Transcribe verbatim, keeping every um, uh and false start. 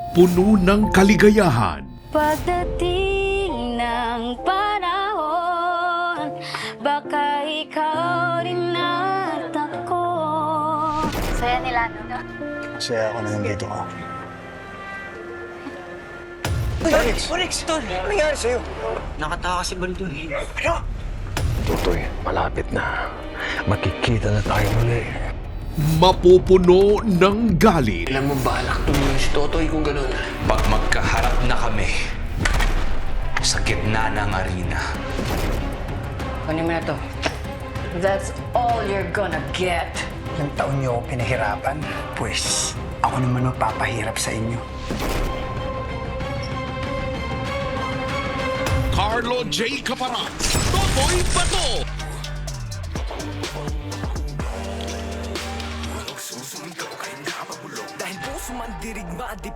puno ng kaligayahan. Pagdating ng panahon, baka ikaw rin at ako. Saya nila, no? Masaya ako na nandito ka. Onyx! Onyx! Tol! Ano nangyari sa'yo? Nakatawa si Baldo eh. Ano? Tutoy, malapit na. Makikita na tayo muli. Mapupuno ng galit. Ilan mo balak tumulong si Totoy kung ganun? Pag magkaharap na kami sa gitna ng arena. Kunin mo na to. That's all you're gonna get. Ilang taon niyo ako pinahirapan. Pues, ako naman magpapahirap sa inyo. Carlo J. Caparat, Totoy Bato. Dahil puso man dirigma, di